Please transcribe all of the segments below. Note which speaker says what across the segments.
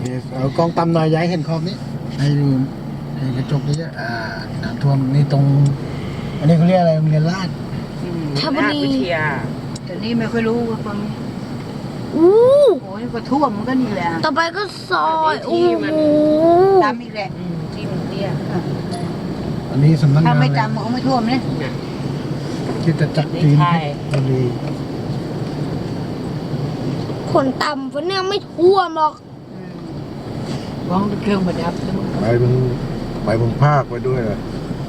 Speaker 1: เอากล้องต่ำหน่อยย้ายเห็นขอบนี้ให้ดูในกระจกนี้น้ำท่วมนี่ตรงอันนี้เขาเรียกอะไรโรงเรียนลาด
Speaker 2: ราชวิทยา
Speaker 3: แต่นี่ไม่ค่อยรู้ว่าความ
Speaker 2: อู้
Speaker 3: โอ้ยก็ท่วมมันก็นี่แหละ
Speaker 2: ต่อไปก็ซอยโอ้โห
Speaker 3: ตามอีกแหละ
Speaker 2: ที่มันเตี้ย
Speaker 1: อันนี้สำนักงา
Speaker 3: ถ้าน ไม่
Speaker 1: เลย
Speaker 3: ตามมันก็ไม่ท่วมเนี่ย
Speaker 1: คิดจะจัดจีนบุรี
Speaker 2: คนต่ำวันนี้ไม่ท่วมหรอก
Speaker 3: วางเครื่องประดับ
Speaker 4: ไปมึงภาคไปด้วยเลย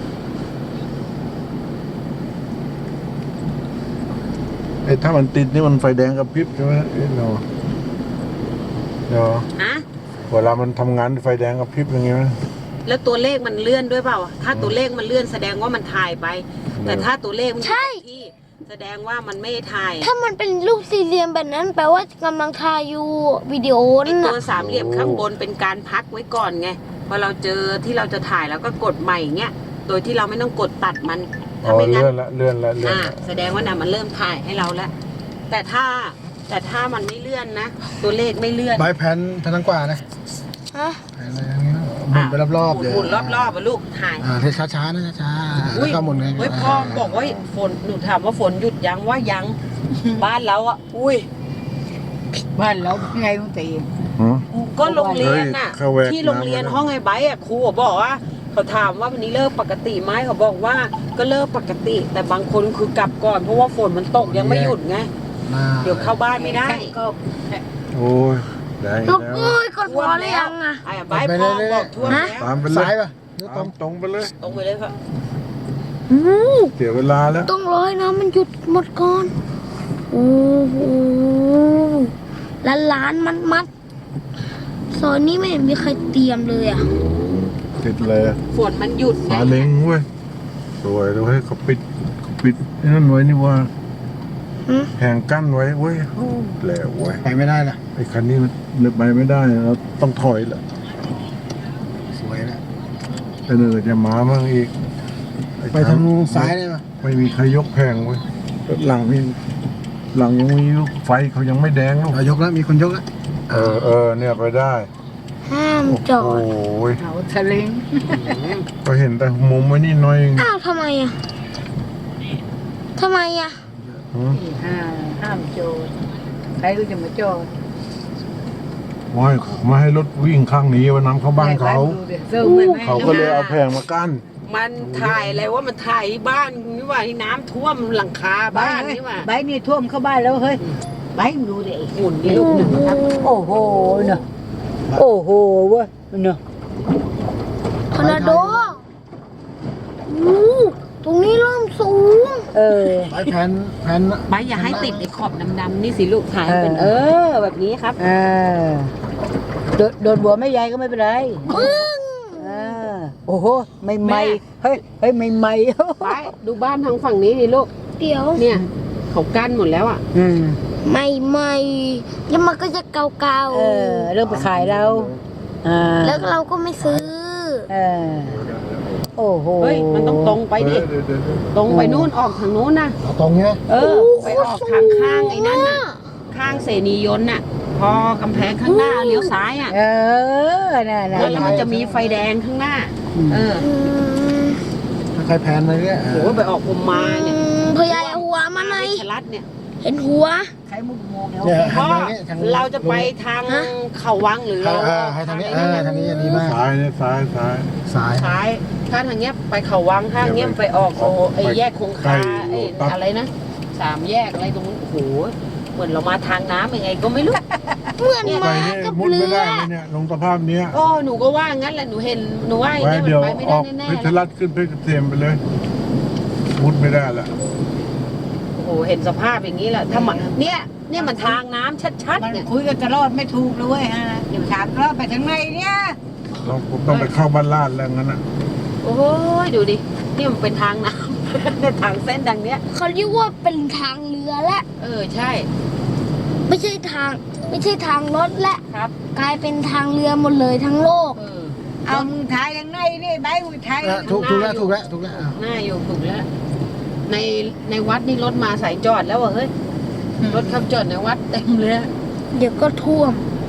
Speaker 4: ไอ้ถ้ามันติดนี่มันไฟแดงกับพริบใช่ไหมเนาะ
Speaker 2: ฮะ
Speaker 4: เวลามันทำงานไฟแดงกับพริบอย่างเงี้ย
Speaker 5: แล้วตัวเลขมันเลื่อนด้วยเปล่า ถ้าตัวเลขมันเลื่อนแสดงว่ามันถ่ายไป แต่ถ้าตัวเลขมันอยู่กับที่แสดงว่ามันไม่ถ่าย
Speaker 2: ถ้ามันเป็นรูปสี่เหลี่ยมแบบนั้นแปลว่ากำลังถ่ายอยู่วิดีโอ
Speaker 5: ไอ
Speaker 2: นั่น
Speaker 5: ตั
Speaker 2: น่ะ
Speaker 5: วสามเหลี่ยมข้างบนเป็นการพักไว้ก่อนไง พอเราเจอที่เราจะถ่ายแล้วก็กดใหม่เงี้ย โดยที่เราไม่ต้องกดตัดมัน
Speaker 4: อ๋อ
Speaker 5: ถ้าไม่งั้น
Speaker 4: เลื่อนละ
Speaker 5: แสดงว่าน่ะมันเริ่มถ่ายให้เราแล้ว แต่ถ้ามันไม่เลื่อนนะ ตัวเลขไม่เลื่อน
Speaker 1: ใบแผ่นทางกว่านะ
Speaker 2: ฮะ
Speaker 1: แผ่นอะไรอย่างเงี้ยหมุนไปรอบๆเดี๋ยว
Speaker 5: หมุนรอบๆอะลูกถ่าย
Speaker 1: ที่ช้าๆนะช้าๆแล้วก็หมุนไง
Speaker 5: เฮ้ยพ่อบอกว่าฝนหนูถามว่าฝนหยุดยังว่ายัง บ้านเราอ่ะ อุ้ย
Speaker 3: บ้านเราไงมึงตี
Speaker 5: ก็โรงเรียนน่ะ
Speaker 4: เข้าแวก
Speaker 5: ที่โรงเรียนห้องไอ้ไบร์ทอ่ะครูบอกว่าเขาถามว่าวันนี้เลิกปกติไหมเขาบอกว่าก็เลิกปกติ แต่บางคนคือกลับก่อนเพราะว่าฝนมันตกยังไม่หยุดไง เดี๋ยวเข้าบ้านไม่ได้
Speaker 3: ก็
Speaker 4: โอ้ยแดง
Speaker 2: ลูก
Speaker 4: แล้ว
Speaker 2: เอ้ยกดพอหรือยังอ่ะ
Speaker 5: ไอ้ไบร์ทพ่อบอกท่วมแล้ว
Speaker 4: ตามไปเล
Speaker 1: ซ้าย
Speaker 4: ย
Speaker 1: ป่ะหรือตรง
Speaker 4: ตรงไปเลย
Speaker 5: ตรงไปเลยค่ะ
Speaker 2: อู้
Speaker 4: เสียเวลาแล้ว
Speaker 2: ต้องรอให้น้ำมันหยุดหมดก่อนโอ้โหล้านมัดซอยนี้ไม่เห็นมีใครเตรียมเลยอ่ะ
Speaker 4: ติดเลย
Speaker 5: ฝนมันหยุดไง
Speaker 4: ซาเล้งเว้ยสวยเลยเว้ยเขาปิดไอ้นั่นไว้นี่ว่า
Speaker 2: หืม
Speaker 4: แหงกั้นไว้เว้ยแล้วเว้ย
Speaker 1: ไปไม่ได้นะ
Speaker 4: ไอ้คันนี้มันเดินไปไม่ได้เราต้องถอยละ
Speaker 1: สวยนะ
Speaker 4: ไอ้เนิร์จะมามั่งอีกอ้
Speaker 1: ไปทางซ้ายได้ป่ะ
Speaker 4: ไม่มีใครยกแพงเว้ยหลังยังมีลูกไฟเขายังไม่แดงลูก
Speaker 1: ยกแล้วมีคนยกแล้ว
Speaker 4: เนี่ยไปได้
Speaker 2: ห้ามจอ
Speaker 4: โอ้
Speaker 2: ด
Speaker 4: ย
Speaker 3: เขาทะเลง
Speaker 4: ก็เห็นแต่มุมไว้นี่น้อยเอง
Speaker 2: อ้าวทำไมอ่ะทำไมอ่ะ
Speaker 4: หือ
Speaker 3: ห้ามโจรใครก็จะมาโจร
Speaker 4: ไม่ให้รถวิ่งข้างนี้วันน้ำเข้าบ้านเขา เขาก็เลยเอาแพงมากั้น
Speaker 5: มันถ่ายอะไรว่ามันถ่ายบ้านนี่ว่าที่น้ำท่วมหลังคาบ้านนี่ว่า
Speaker 3: ใบนี่ท่วมเข้าบ้านแล้วเฮ้ยใบมึงดูดิ
Speaker 5: หมุนนี่ลูกหนึ่งนะครับ
Speaker 3: โอ้โหเนอะโอ้โหเว้ยเนอะ
Speaker 2: ทอร์นาโดอู้ตรงนี้เริ่มสูง
Speaker 1: ใบแผ่น
Speaker 5: ไบร์ทอย่าให้ติดไอ้ขอบดำๆนี่สิลูกถ่ายเป็นแบบนี้ครับ
Speaker 3: โดนบัวไม่ใหญ่ก็ไม่เป็นไร โอ้โหไม่ไหมเฮ้ยไม่ไหม
Speaker 5: ไบร์ทดูบ้านทางฝั่งนี้นี่ลูก
Speaker 2: เดี๋ยว
Speaker 5: เนี่ยเขากั้นหมดแล้วอ่ะ
Speaker 2: ไม่แล้วมันก็จะเก่า
Speaker 3: เริ่มไปขายเรา
Speaker 2: ๆแล้วเราก็ไม่ซื้อ
Speaker 3: โอ้โห
Speaker 5: เฮ้ยมันต้องตรงไปดิ ตรงไปนู่นออกทางนู้นนะ
Speaker 1: เอาตรงเนี้ย
Speaker 5: ไปออกทางข้างไอ้นั่นน่ะ ข้างเสนียนต์น่ะ พอกำแพงข้างหน้าเลี้ยวซ้ายอ่ะ
Speaker 3: น่ะ
Speaker 5: แล้วมันจะมีไฟแดงข้างหน้า
Speaker 2: อืม
Speaker 1: ถ้าใครแผ่นมาเนี่ย
Speaker 5: โหไปออกผมมาเนี่ย
Speaker 2: พยายหัวมาหน่อย
Speaker 5: ชลัดเนี่ย
Speaker 2: เห็นหัว
Speaker 3: ใครมุกโมง
Speaker 1: เนี่ย
Speaker 5: พ่อ
Speaker 1: ทางนี้ทาง
Speaker 5: เราจะไปทางเขาวังหรือเรา
Speaker 1: ให้ทางนี้ทางนี้ดีมาก
Speaker 4: ซ้ายเนี่ยซ้าย
Speaker 1: ซ้าย
Speaker 5: ซ้ายถ้าทางเนี้ยไปเขาวังถ้าทางเนี้ยไปออกไอ้แยกคงคาไอ้อะไรนะ3 แยกอะไรตรงนู้นโอ้โหเหมือนเรามาทางน้ำยังไงก็ไม่รู้
Speaker 2: เหมือน
Speaker 4: ไป
Speaker 2: มา
Speaker 4: เนี่ย
Speaker 2: กับ
Speaker 4: มุด
Speaker 2: เรื
Speaker 4: ไม่ได้
Speaker 2: อ
Speaker 4: เลยเนี่ยลงสภาพเนี้ย
Speaker 5: โอ้หนูก็ว่างั้นแหละหนูเห็นหนูว่าอย่าง
Speaker 4: ไว้
Speaker 5: เงี้ย
Speaker 4: เดี๋ยว
Speaker 5: มันไปไม่
Speaker 4: อ
Speaker 5: ได้
Speaker 4: อก
Speaker 5: แน่
Speaker 4: เพชร
Speaker 5: ๆ
Speaker 4: รัฐขึ้นเพชรเกษมไปเลย มุดไม่ได้ละ
Speaker 5: โอ้โหเห็นสภาพอย่างนี้แหละถ้ามันเนี่ยมันทางน้ำชัด
Speaker 3: มัน
Speaker 5: ๆเนี่ย
Speaker 3: คุยกันตลอดไม่ถูกเลยเว้ยเดี๋ยวถามเราไปทางไหนเนี่ย
Speaker 4: ผมต้องไปเข้าบ้านลาดแล้วงั้นอ่ะ
Speaker 5: โอ้ยดูดินี่มันเป็นทางน้ำ เนี่ยทางเส้นดังเนี้ย
Speaker 2: เขาเรียกว่าเป็นทางเรือและ
Speaker 5: ใช่
Speaker 2: ไม่ใช่ทางรถและ
Speaker 5: ครับ
Speaker 2: กลายเป็นทางเรือหมดเลยทั้งโลก
Speaker 3: เอามึงถ่ายทางไหนนี่ใบมึงถ่าย
Speaker 1: ถูกแล้วถูกแล้ว
Speaker 5: หน้าอยู่ถูกแล้วในวัดนี่รถมาสายจอดแล้วว่ะเฮ้ยรถขับจอดในวัดเต็มเลยอะ
Speaker 2: เดี๋ยวก็ท่วม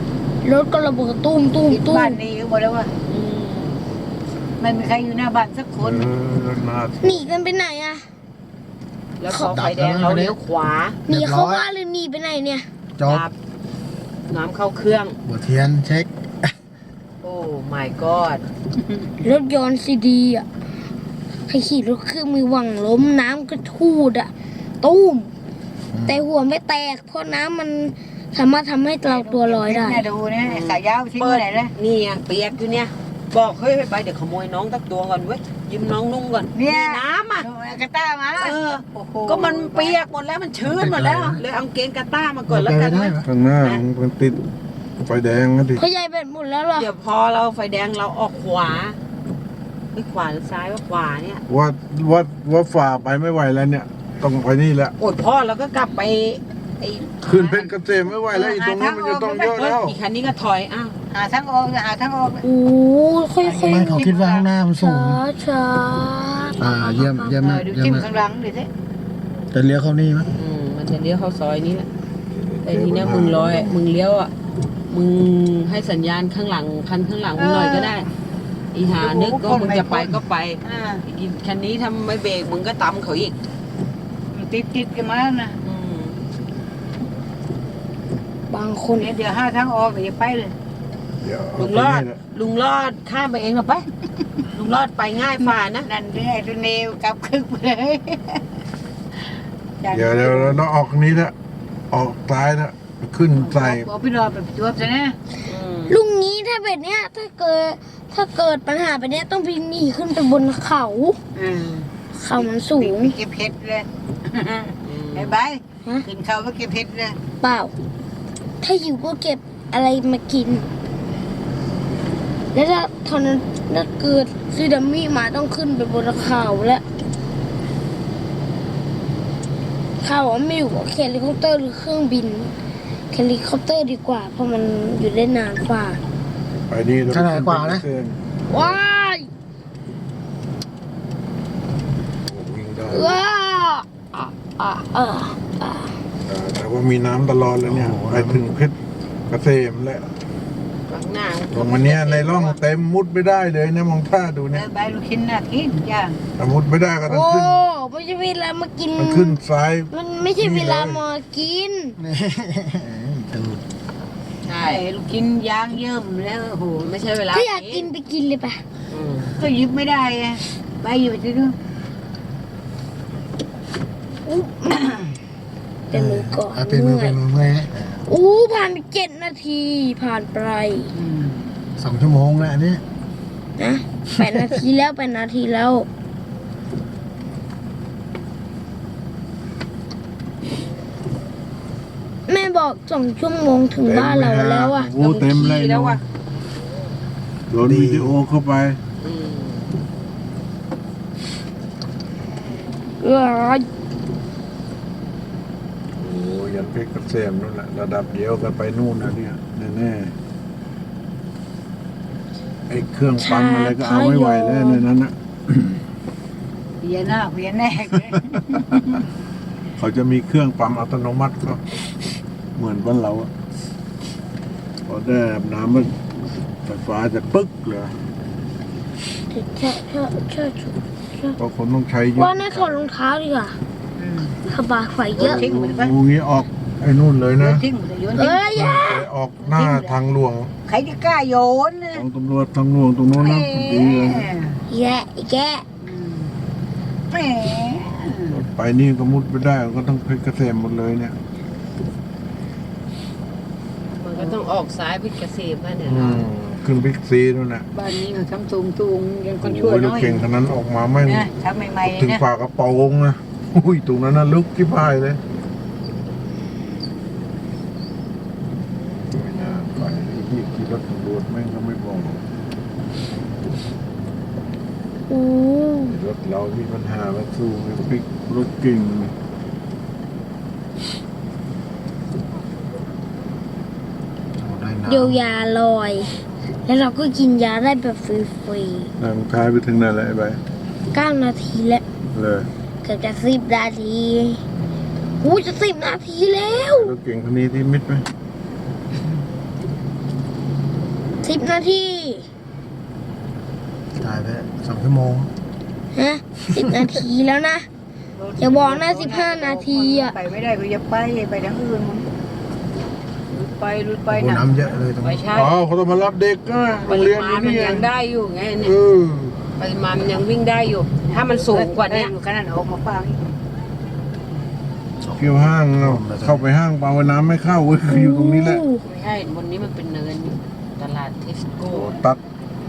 Speaker 2: รถก็ระเบิดตุ้มตุ้ม
Speaker 3: คิด
Speaker 2: ตุ้ม
Speaker 3: บ้านนี้ก็บอกแล้วว่าไม่มีใครอยู่หน้าบ้านสักคน
Speaker 4: น่า
Speaker 2: หนีกันไปไหนอะ
Speaker 5: แล้วพอไฟแดงเราเลี้ยวขวา
Speaker 2: หนีเข้าบ้านหรือหนีไปไหนเนี่ย
Speaker 1: จบ
Speaker 5: ดับน้ำเข้าเครื่อง
Speaker 1: บัวเทียนเช็ค
Speaker 5: โอ้ my god
Speaker 2: รถยนต์ซีดีอะใครขี่รถเครื่องมือหวังล้มน้ำก็ทูดอะตุ้ม แต่หัวไม่แตก เพราะน้ำมันสามารถทำให้เราตัวลอยได้
Speaker 3: เนี่ยดูเนี่ยขายาวทิ้ง
Speaker 5: เปิด
Speaker 3: ไหนเลย
Speaker 5: นี่ไงเปียกอยู่เนี่ย บอกเฮ้ยไปเดี๋ยวขโมยน้องตักตัวก่อนเว้ยยืมน้องนุ่งก่อน
Speaker 3: เนี่ย
Speaker 5: มีน้ำอ่ะ
Speaker 3: ดูกระต้ามา
Speaker 5: เออ
Speaker 3: โอ้โห
Speaker 5: ก็มันเปียกหมดแล้วมันชื้นหมดแล้ว เลยเอาเกงกาต้ามาก่อนแล้วกัน
Speaker 1: ได้
Speaker 5: นะ
Speaker 1: ไหม
Speaker 4: ข้างหน้ามันติดไฟแดงนะดิ
Speaker 2: เขาใหญ่เป็นหมดแล้วเหรอ
Speaker 5: เดี๋ยวพอเราไฟแดงเราออกขวาไม่ขวาหรือซ้ายว่าขวาเนี่ย
Speaker 4: ว่าฝ่าไปไม่ไหวแล้วเนี่ย ต้องไปนี่แหละ
Speaker 5: โอดพ่อแล้วก็กลับไปไอ้
Speaker 4: ขึ้นเพชรเกษมไม่ไหวแล้วอีตรงนี้มันจะต้องเยอะ
Speaker 5: เฮ้ย
Speaker 4: แล้ว
Speaker 5: อีกคันนี้ก็ถอยอ้าว
Speaker 3: หาทางออกหาทางออก
Speaker 2: โอ้ค่อย
Speaker 1: ทำไมเขาคิดว่าข้างหน้ามันสู
Speaker 2: ช้าง ช้า
Speaker 1: เยี่ยมเยี่ยมมาก
Speaker 3: ดู
Speaker 1: เยี่ย
Speaker 3: จิ้
Speaker 1: ม
Speaker 3: ม
Speaker 1: มาก
Speaker 3: ข้างหลังดิสิ
Speaker 1: จะเลี้ยวเข้านี่มั้ย
Speaker 5: มันจะเลี้ยวเข้าซอยนี้แหละแต่ทีเนี้ยมึงเลี้ยวอ่ะมึงให้สัญญาณข้างหลังคันข้างหลังมึงหน่อยก็ได้อีหานึกก็มึงจะไปก็ไป
Speaker 3: อ่า
Speaker 5: อีกคันนี้ถ้าไม่เบรกมึงก็ตำเขาอีก
Speaker 3: มันติดกันมานะ
Speaker 2: บางคน
Speaker 3: เดี๋ยวหาทางออกอย่าไปเลย
Speaker 4: เดี๋ยว
Speaker 5: ลุงรอดลุงรอดข้ามไปเองเหรอไปลุงรอดไปง่ายฝ่านะ
Speaker 3: นั่นเรื่อยตัวเนวกลับคึกไปเลย
Speaker 4: เดี๋ยวเราต้องออกนี้ละออกซ้ายละขึ้นใส่
Speaker 3: บอกพี่รอแบบจวบซะนะ
Speaker 2: ลุงนี้ถ้าแบบเนี้ยถ้าเกิดปัญหาแบบเนี้ยต้องพิหนีขึ้นไปบนเขา
Speaker 3: อืม
Speaker 2: เขามันสูง
Speaker 3: เก็บเห็ดเลยไอ้ใบขึ้นเขาไปเก็บเห็ดเลย
Speaker 2: เปล่า ถ้าหิวก็เก็บอะไรมากิน แล้วถ้าเกิดซีดามิมาต้องขึ้นไปบนเขาแล้วเขาไม่อยู่กับเฮลิคอปเตอร์หรือเครื่องบินเฮลิคอปเตอร์ดีกว่า เพราะมันอยู่ได้นานกว่า
Speaker 4: ไปนี่เรา
Speaker 1: ขนาดกว่านะ
Speaker 2: ว้าย
Speaker 4: วิ่งได้
Speaker 2: ว้าอ่ะ
Speaker 4: แต่ว่ามีน้ำตลอดแล้วเนี่ยไปถึงเพชรเกษมแล้ว
Speaker 5: ข้างหน้า
Speaker 4: ตรงวันเนี้ยในร่องเต็มมุดไม่ได้เลยเนี่ยมองท่าดูเนี่ย
Speaker 3: ใบลูกชิ้นน่ะกินย่าง
Speaker 4: ถ้ามุดไม่ได้ก็ต้อง
Speaker 2: โอ้
Speaker 4: ขึ้น
Speaker 2: ไม่ใช่เวลามากิน
Speaker 4: มันขึ้นซ้าย
Speaker 2: มันไม่ใช่เวลามากิน
Speaker 1: นี่ตูด
Speaker 5: ใช่
Speaker 3: ไอ้ลูกชิ้นย่างเยิ่มแล้วโอ้โห
Speaker 5: ไม่ใช่เวลา
Speaker 2: ถ้าอยากกินไปกินเลยปะ
Speaker 3: ก็หยิบไม่ได้ไงใบอยู่ที่นู่น
Speaker 2: อุ๊บเป็นมือก่อน
Speaker 1: เป็นมือเป็นมือเมื่อย
Speaker 2: อู้ผ่านไป7 นาทีผ่านไป
Speaker 1: 2 ชั่วโมงแล้วอันนี้
Speaker 2: นะ8 นาทีแล้ว8 นาทีแล้ว แม่บอก2 ชั่วโมงถึงบ้านเราแล้วอ่ะ
Speaker 4: โอ้เต็มเลย
Speaker 5: แล้ว
Speaker 4: เนาะ
Speaker 5: อ่ะ
Speaker 4: โหลดวิดีโอเข้าไป
Speaker 2: เออ
Speaker 4: โอ้ยันเพชรเกษมนั่นแหละระดับเดียวกันไปนู่นนะเนี่ยแน่ๆไอ้เครื่องปั๊มอะไรก็เอาไม่ไหวแล้วในนั้นนะ
Speaker 3: เพียหน้าเพียแน่เลย
Speaker 4: เขาจะมีเครื่องปั๊มอัตโนมัติก็เหมือนบ้านเราอะพอได้อาบน้ำมันไฟฟ้าจะปึ๊กเลย
Speaker 2: ใช่
Speaker 4: เพราะคนต้องใช้เยอะ
Speaker 2: ว่าในถอดรองเท้าดีกว่าสบายไฟเยอะ
Speaker 4: งูงี้ออกไอ้นู่นเลย
Speaker 3: โย
Speaker 4: นะ
Speaker 3: นทิ้งหมดเลยโยนทิ้ง
Speaker 2: เอ้ยอย่า
Speaker 4: ไปออกหน้าทางหลวง
Speaker 3: ใครจะกล้าโยนนะ
Speaker 4: ของตำรวจทางหลวงตรงโน้นนะดีเลย
Speaker 2: แย่อีกแย่
Speaker 3: แหม
Speaker 4: ไปนี่ก็มุดไปได้ก็ต้องเพชรเกษมหมดเลยเนี่ย
Speaker 5: มันก็ต้องออกซ้ายพิเกษมนะเนี่ย
Speaker 4: ขึ้นบิ๊กซีนู่นน่ะ
Speaker 3: บ้านนี้มันทำตุงยังคน
Speaker 4: โอ้
Speaker 3: ช่วย
Speaker 4: ยร
Speaker 3: น้
Speaker 4: ถ
Speaker 3: อย
Speaker 4: เก่งคันนั้นออกมาไม่ง
Speaker 3: นะทำใหม่ๆ
Speaker 4: ถึง
Speaker 3: นะ
Speaker 4: ฝากระโปรงนะอุ้ยตรงนั้นน่ะลึกที่พายเลยไม่น่าไปที่ขี่รถตำรวจแม่งก็ไม่บอก
Speaker 2: อู้
Speaker 4: รถเรามีปัญหามาสู้ไอ้ปิ๊กรถเก่ง
Speaker 1: ได้น้ำ
Speaker 2: เดี๋ยวยาลอย แล้วเราก็กินยาได้แบบฟรี
Speaker 4: นางท้ายไปถึงไหนแล้วไอ้ใบ
Speaker 2: ๆ9 นาทีแล้ว
Speaker 4: เลย
Speaker 2: เกือบจะ10 นาทีอู้จะ10 นาทีแล้ว
Speaker 4: รถเก่งคันนี้ที่มิดไหม
Speaker 2: 10 นาที
Speaker 1: ถ่ายไป2 ชั่วโมง
Speaker 2: ฮะ10 นาทีแล้วนะ อย่าบอกนะ15 นาทีอะ
Speaker 3: ไปไม่ได้ก็อย่าไปทางอื่นมึงรุดไป
Speaker 1: โอ้
Speaker 3: นะ
Speaker 1: น้ำเยอะเลยตรง
Speaker 5: ไม่
Speaker 1: นี้
Speaker 5: ใช่
Speaker 4: อ๋อเขาต้องมารับเด็กก็โร
Speaker 5: ป
Speaker 4: ง
Speaker 5: ริ
Speaker 4: เรียน
Speaker 5: มา
Speaker 4: อยู่
Speaker 5: ณมัน
Speaker 4: นี่ไง
Speaker 5: ยังได้อยู่ไง
Speaker 4: เอ
Speaker 5: เนี่ย
Speaker 4: อ
Speaker 5: ปริมาณมันยังวิ่งได้อยู่ ถ้ามันสูงกว่าเนี้ย
Speaker 3: อยู่ขนาดออกมาฟัง
Speaker 4: เกี่ยวห้างเอาเข้าไปห้างปลาว่าน้ำไม่เข้าเว้ยอยู่ตรงนี้แหละ
Speaker 5: ไม่ใช่วันนี้มันเป็นเนินอยู่ตลาดเทสโก้
Speaker 4: ตัด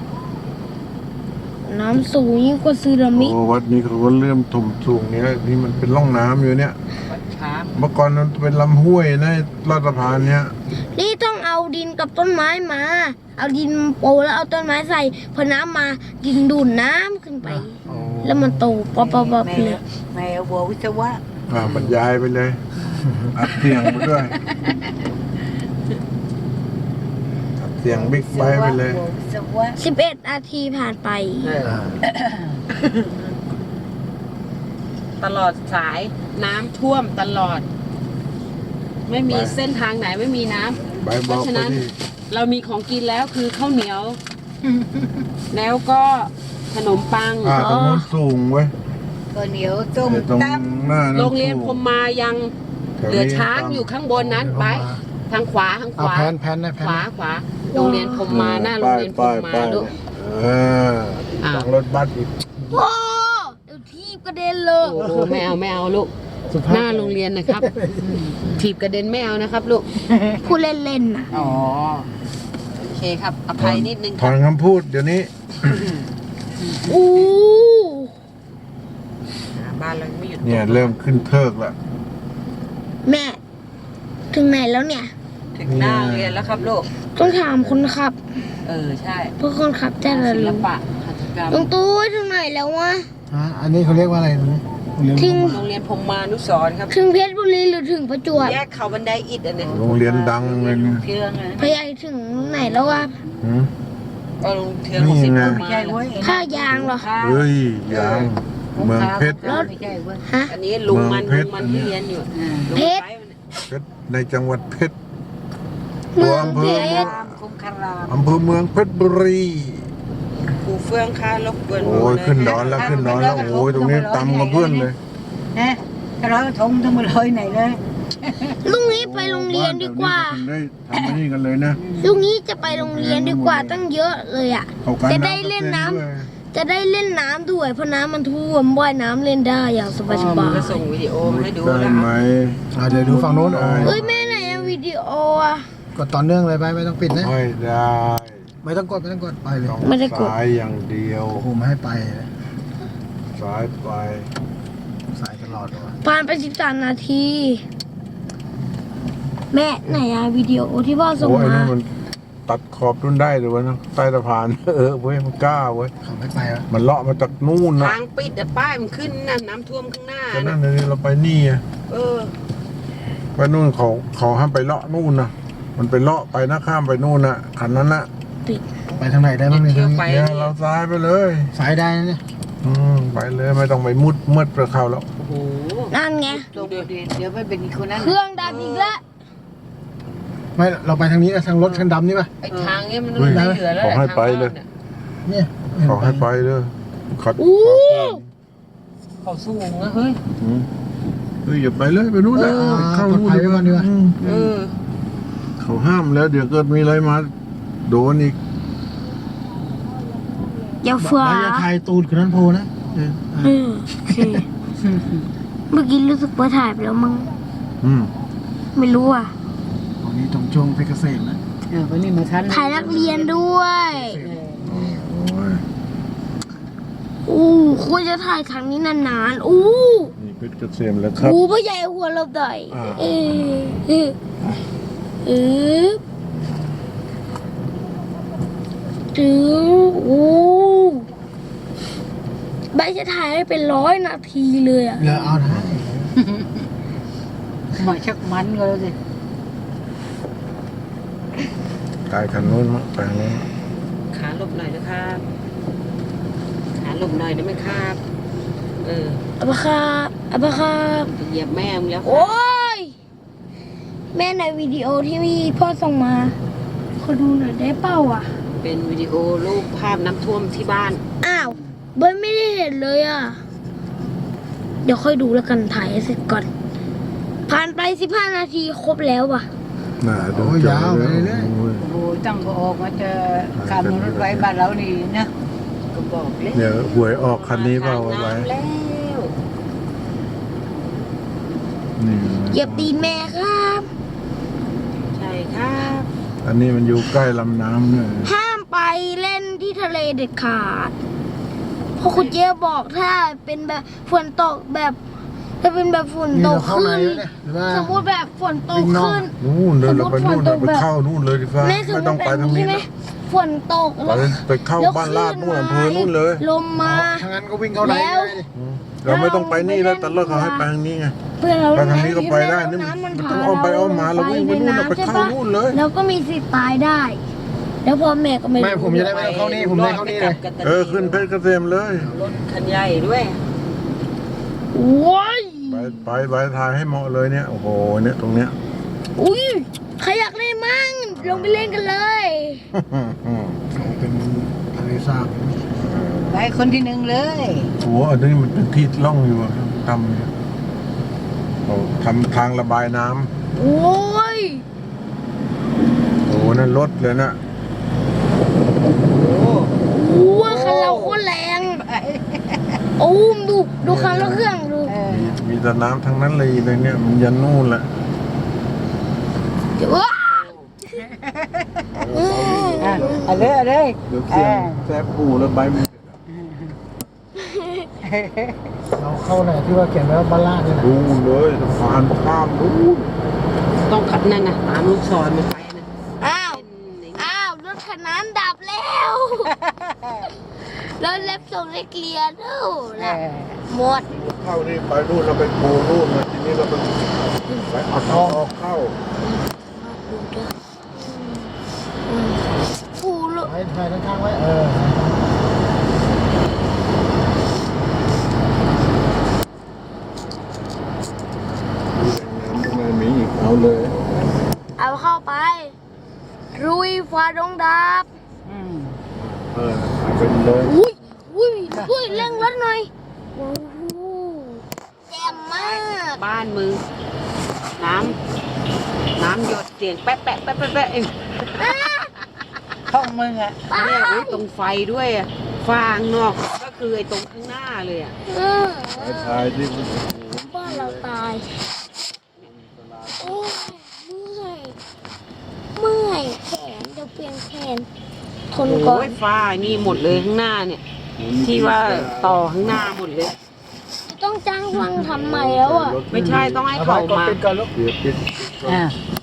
Speaker 2: น้ำสูงยิ่งกว่าสึนามิ
Speaker 4: โอ้วัดนี้เขาก็เริ่มถมสูงเนี้ยนี่มันเป็นร่องน้ำอยู่เนี่ย
Speaker 5: วัดช้าง
Speaker 4: เมื่อก่อนมันเป็นลำห้วยนะลอดสะพานเนี้ย
Speaker 2: นี่ต้องเอาดินกับต้นไม้มา เอาดินโปะแล้วเอาต้นไม้ใส่พอน้ำมาดินดูดน้ำขึ้นไป
Speaker 1: โอ้
Speaker 2: แล้วมันโตป๊อปๆๆเลย
Speaker 3: แม่บัววิศวะ
Speaker 4: บรรยายไปเลย อัดเสียงไปด้วยอัดเสียงบิ๊กไบค์ไปเลย
Speaker 3: บัววิศวะ
Speaker 2: 11 นาทีผ่านไป
Speaker 1: อ่า
Speaker 5: ตลอดสายน้ำท่วมตลอด ไม่มีเส้นทางไหนไม่มีน้ำ
Speaker 4: ใบบอกไปที่
Speaker 5: เรามีของกินแล้วคือข้าวเหนียว แล้วก็ขนมปัง
Speaker 4: ตรงนู้นสูงเว้ย
Speaker 3: ก็เหนียวต้ม
Speaker 4: แต่ตรง
Speaker 3: ตั้ม
Speaker 4: หน้านั้น
Speaker 5: โรงเรียนพรหมมายัง
Speaker 4: แถว
Speaker 5: เหลือ
Speaker 4: นี้
Speaker 5: ช้างอยู่ข้างบนนั้นไปทางขวาทางข
Speaker 1: เอา
Speaker 5: วา
Speaker 1: แพนนะแพน
Speaker 5: ขวาขวาโรงเรียนพรหมมาหน้าโรงเรียนพรหมมา
Speaker 4: ป้ย
Speaker 5: ลูก
Speaker 4: เออหลังรถบัสอีก
Speaker 2: โอ้เดี๋ยวทีบกระเด็นเลย
Speaker 5: โอ้โหไม่เอาลูก
Speaker 1: สุภาพ
Speaker 5: หน้าโรงเรียนนะครับ ถีบกระเด็นไม่เอานะครับลูก
Speaker 2: พูดเล่นๆนะ
Speaker 5: อ๋อโอเคครับอภัยนิดนึง
Speaker 4: ถ
Speaker 5: ค
Speaker 4: อ
Speaker 5: รับ
Speaker 4: นคำพูดเดี๋ยวนี้
Speaker 2: อู้
Speaker 5: บ้านเรายังไม่หยุด
Speaker 4: เนี่ยเริ่มขึ้นเทิกแล้ว
Speaker 2: แม่ ถึงไหนแล้วเนี่ย
Speaker 5: ถึงหน้าโรงเรียนแล้วครับลูก
Speaker 2: ต้องถามคนขับ
Speaker 5: ใช่
Speaker 2: เพราะคนขับจะระ
Speaker 5: ศิล
Speaker 2: รู้
Speaker 5: ปะหัตถกรรม
Speaker 2: ลุงตู้ถึงไหนแล้ววะ
Speaker 1: อันนี้เขาเรียกว่าอะไรตรงนี้โรงเรียน
Speaker 2: ทิ้ง
Speaker 1: พรหม
Speaker 5: โรงเรียนพรหมานุสรณ์ครับ
Speaker 2: ถึงเพชรบุรีหรือถึงประจวบ
Speaker 5: แยกเขาบันไดอิฐอันเนี้ย
Speaker 4: โรงเรียนดังเลยเนี่ย
Speaker 3: เชื่องนะ
Speaker 2: พยายถึงไหนแล้ววะ
Speaker 4: หืม
Speaker 5: ก็โรงเรียนของศิลปะ
Speaker 3: ไม่ใช่เว้ย
Speaker 2: ท่ายางเหรอ
Speaker 4: เฮ้ยยางเมืองเพชร
Speaker 3: ไม่ใช่เว้ย
Speaker 2: ฮะ
Speaker 5: อันนี้ลุงมัน
Speaker 4: เมื
Speaker 5: ลุ
Speaker 4: อง
Speaker 5: งมัน
Speaker 4: เพชร
Speaker 5: ที่เรียนอยู่
Speaker 2: เพชร
Speaker 4: เพชรในจังหวัดเพชร
Speaker 2: เมือง
Speaker 4: อำ
Speaker 2: เพ
Speaker 4: เภอ
Speaker 2: ชร
Speaker 3: รามคงคาราม
Speaker 4: อำเภอเมืองเพชรบุรี
Speaker 5: ครูเฟื่องค่ารบกวน
Speaker 4: โอ้ยขึ้นดอนแล้วขึ้นดอนแล้วโอ้ยตรงนี้ต่ำกับเพื่อนเลย
Speaker 3: นะถ้าร้อยกระทงต้องมาลอยไหนเลย
Speaker 2: ลุงนี้ไปโรงเรียนดีกว่า
Speaker 4: ได้ทำอันนี้กันเลยนะ
Speaker 2: ลุงนี้จะไปโรงเรียนดีกว่าตั้งเยอะเลยอ่ะ
Speaker 4: เขากัน
Speaker 2: จะได้เล่นน้ำ
Speaker 4: ด้วย
Speaker 2: จะได้เล่นน้ำด้วยเพราะน้ำมันท่วมว่ายน้ำเล่นได้อย่างสบาย
Speaker 5: มันก็ส่งวิดีโอมาให้ดู
Speaker 4: ได้
Speaker 5: แล้ว
Speaker 4: ไหม
Speaker 1: เดี๋ยวดูฝั่งโน้น
Speaker 4: ได้
Speaker 2: ๆเอ้ยแม่ไหนอะวิดีโออะ
Speaker 1: กดต่อเนื่องเลยไปไม่ต้องปิดนะ
Speaker 4: ไม่ได้
Speaker 1: ไม่ต้องกดไปเลย
Speaker 4: ต้อง
Speaker 2: ไม่ได้กด
Speaker 4: ซ้ายอย่างเดียว
Speaker 1: โอ้โหไม่ให้ไปนะ
Speaker 4: ซ้ายไป
Speaker 1: สายตลอดเลยวะ
Speaker 2: ผ่านไป13 นาที แม่ไหนอะวิดีโอที่พ่อส่ง
Speaker 4: โอ้ย
Speaker 2: มา
Speaker 4: นั่นมันตัดขอบดุนได้เลยวะนะใต้สะพาน เว้ยมันกล้าเว้ย
Speaker 1: เขาไม่ไปวะ
Speaker 4: มันเลาะมาจากนู่นนะ
Speaker 5: ทางปิดแต่ป้ายมันขึ้นนะน้ำท่วมข้างหน้า
Speaker 4: ก็นั่
Speaker 5: นะ
Speaker 4: นเลยเราไปนี่ไง
Speaker 5: เออ
Speaker 4: ไปนู่นเขาห้ามไปเลาะนู่นนะมันไปเลาะไปนะข้ามไปนู่นนะคันนั้นนะ
Speaker 1: ไปทางไหนได้บ้างเนี่ย
Speaker 5: เที่ยวไป
Speaker 4: เนี่ยเราซ้ายไปเลย
Speaker 1: สายได้นะเนี่ย
Speaker 4: ไปเลยไม่ต้องไปมืดไปเข้าแล้ว
Speaker 5: โอ้โห
Speaker 2: นั่นไง
Speaker 3: ตรงเดี๋ยวไปเป็นอีกคนนั้น
Speaker 2: เครื่องดับอีกแล้ว
Speaker 1: ไม่เราไปทางนี้นะทางรถคันดำนี่ป่ะ
Speaker 5: ไอ้ทางเนี้ยมัน
Speaker 4: เฮ้ย
Speaker 5: ไม่เหลือแล้ว
Speaker 4: ขอให้ไปเลย
Speaker 1: เนี่ย
Speaker 4: เขาให้ไปเลยขัด
Speaker 2: อู้
Speaker 5: เขาสูงนะเฮ้ย
Speaker 4: เฮ้ยอย่าไปเลยไปนู่นแหละ
Speaker 1: เข้าปลอดภัยไว้ก่อนดีกว่า
Speaker 5: เออ
Speaker 4: เขาห้ามแล้วเดี๋ยวเกิดมีอะไรมาโดนอีก
Speaker 2: อย่าฟ้า
Speaker 1: แล้วจะถ่ายตูดคือนั้นโพนะ
Speaker 2: โอเคเมื่อกี้รู้สึกว่าถ่ายไปแล้วมั้ง
Speaker 4: อืม
Speaker 2: ไม่รู้อ่ะ
Speaker 1: ตรงนี้ตรงช่วงเพชรเกษมนะ
Speaker 3: วันนี้มาทัน
Speaker 2: ถ่ายนักเรียนด้วย
Speaker 4: โอ้ย
Speaker 2: อู้ควรจะถ่ายครั้งนี้นานๆอู้
Speaker 4: นี่เพชรเกษมแล้วครับ
Speaker 2: อู้พ่อใหญ่หัวเราใหญ่
Speaker 4: อ่า
Speaker 2: เออจื้ออู้ใบจะถ่ายได้เป็น100 นาทีเลยอ่ะ
Speaker 1: เหลือเอานะ
Speaker 3: มาชักมันก็แล้วสิ
Speaker 4: กายคันนู้นมั้งไปทางนู้น
Speaker 5: ขาหลบหน่อยนะครับขาหลบหน่อยได้ไหมครับ เออ
Speaker 2: อับะครับอับะครับ
Speaker 5: จะเหยียบแม่มึงแล้ว
Speaker 2: โอ้ย แม่ในวิดีโอที่พ่อส่งมาขอดูหน่อยได้เปล่าอ่ะ
Speaker 5: เป็นวิดีโอรูปภาพน้ำท่วมที่บ้าน
Speaker 2: อ้าวเบิร์นไม่ได้เห็นเลยอ่ะ เดี๋ยวค่อยดูแล้วกันถ่ายให้เสร็จก่อน ผ่านไป15 นาทีครบแล้วป่ะ
Speaker 4: น่าดู
Speaker 1: โอ้ย
Speaker 4: จอย
Speaker 1: าวไป
Speaker 4: เลย
Speaker 1: เรื่อย
Speaker 4: โอ้ย
Speaker 3: โอ้โหตั้งก็ออกมาเจอขับรถไว้บ้านเรานี่นะ
Speaker 5: ก็บอกเลย
Speaker 4: เดี๋ยวหวยออกคันนี้เปล่าไว้
Speaker 5: น้ำแล้ว
Speaker 4: นี่
Speaker 2: เหยียบตีนแม่ครับ
Speaker 5: ใช่ครับ
Speaker 4: อันนี้มันอยู่ใกล้ลำน้ำเนี่ย
Speaker 2: ห้ามไปเล่นที่ทะเลเด็ดขาดเพราะคุณเจ๊บอกถ้าเป็นแบบฝนตกแบบถ้าเป็นแบบฝน
Speaker 1: นี่
Speaker 2: ต
Speaker 1: เรา
Speaker 2: ก
Speaker 1: เข้าใน
Speaker 2: ขึ้น
Speaker 1: แล้วเนี่ยหรือว่า
Speaker 2: สมมติแบบฝนตก
Speaker 1: วิ่งนอก
Speaker 2: ขึ้น
Speaker 4: นู่นเลยเราไปนู่น
Speaker 2: สมมุติฝนตก
Speaker 4: ไปเข้านู่นเลยดีฟ้า
Speaker 2: แม่สม
Speaker 4: ไม่
Speaker 2: ม
Speaker 4: ต้อง
Speaker 2: ติ
Speaker 4: ไป
Speaker 2: แบบ
Speaker 4: ทาง
Speaker 2: นี้
Speaker 4: นี้
Speaker 2: ใช่ไหม
Speaker 4: นะ
Speaker 2: ฝนตก
Speaker 4: ไปเข้าบ้านลาดนู่นอำเภอนู่นเลย
Speaker 2: ลมมา
Speaker 1: ถ้างั้นก็วิ่งเข้าใน
Speaker 2: แล้ว
Speaker 1: เลยดิ
Speaker 4: เราไม่ต้องไปนี่แล้วแต่เลิกเขาให้ไปทางนี้ไง
Speaker 2: เพื่อนเรา
Speaker 4: ไปทางนี้ก็ไปได้
Speaker 2: เล่
Speaker 4: นี่
Speaker 2: ำ
Speaker 4: มัน
Speaker 2: พ
Speaker 4: ต้องอ้อมไปอ้อมมาเราวิ่งไปนู่น
Speaker 2: ใ
Speaker 4: เราไปเข้านู่นเลย
Speaker 2: แล้วก็มีสิทธิ์ตายได้ แล้วพ่อแม่ก็ไม่
Speaker 1: ไม่ผมจะได้ไม่ต้องเข้านี่ผมได้เข้านี่เลย
Speaker 4: ขึ้นเพชรเกษมเลย
Speaker 5: รถคันใหญ่ด้วย
Speaker 2: โอ้ย
Speaker 4: ไปถ่ายให้เหมาะเลยเนี่ยโอ้โหเนี่ยตรงเนี้ย
Speaker 2: อุ้ยใครอยากเล่นมั่งลงไปเล่นกันเลย
Speaker 1: เป็นทะเลสาบ
Speaker 3: ไปคนที่หนึ่งเลย
Speaker 4: โอ้โหอันนี้มันเป็นที่ล่องอยู่อะทำเนี่ยเขาทำทางระบายน้ำ
Speaker 2: โอ้ย
Speaker 4: โอ้โหนั่นรถเลยนะ
Speaker 2: โอ้ยคันเราโคตรแรงโอ้มดูคันเราเครื่องดู
Speaker 4: มีแต่น้ำทั้งนั้นเลยเนี่ยมันยันนู่นแหละ
Speaker 2: เดี๋ยวว้า
Speaker 3: เอาเลยเอาเลย
Speaker 4: เดี๋ยวเสียงแซบปูแล้วใบมัน
Speaker 1: เราเข้าไหนที่ว่าเขียนไว้ว่าบ้านลาดเนี่ยนะ
Speaker 4: นู่นเลยสะพานข้ามนู่น
Speaker 5: ต้องขับนั่นนะตามลูกศรมันไปนะ
Speaker 2: อ้าวรถคันนั้นดับแล้วรถเล็บส่งได้เกลียร์ดูนะหมด
Speaker 4: เข้านี่ไปนู่นเราไปโผล่นู่นมาทีนี้เราไปเอาเข้าเข้า
Speaker 2: ปูรถ
Speaker 1: ไว้ถ่ายด้านข้างไว้
Speaker 4: ไม่มีอีกเอาเลย
Speaker 2: เอาเข้าไป รุยฟ้าดงดับ
Speaker 4: เป็นเลย
Speaker 2: อุ้ยเร่งรถหน่อยโอ้โหแจ่มมาก
Speaker 5: บ้านมึงน้ำหยดเสียงแป๊ะแป๊ะแป๊ะแป๊ะแป๊ะเอง
Speaker 3: ห้องมึงอ่ะ
Speaker 5: เนี่ยอุ๊ยตรงไฟด้วยอะฟางนอกก็คือไอ้ตรงข้างหน้าเลยอ่ะ
Speaker 2: เออ
Speaker 4: ชายที่
Speaker 2: บ้านเราตายโอ้ยเมื่อยแขนจะเปลี่ยนแขนทนก่อ
Speaker 5: โอ้
Speaker 2: น
Speaker 5: ยฟ้านี่หมดเลยข้างหน้าเนี่ย ที่ว่าต่อข้างหน้าหมดเลย
Speaker 2: ต้องจ้างวังทำใหม่แล้วอ่ะ
Speaker 5: ไม่ใช่ต้องให้เขามา
Speaker 1: ปิดก่อนลูก
Speaker 4: เดี๋ยวปิด
Speaker 3: อ่า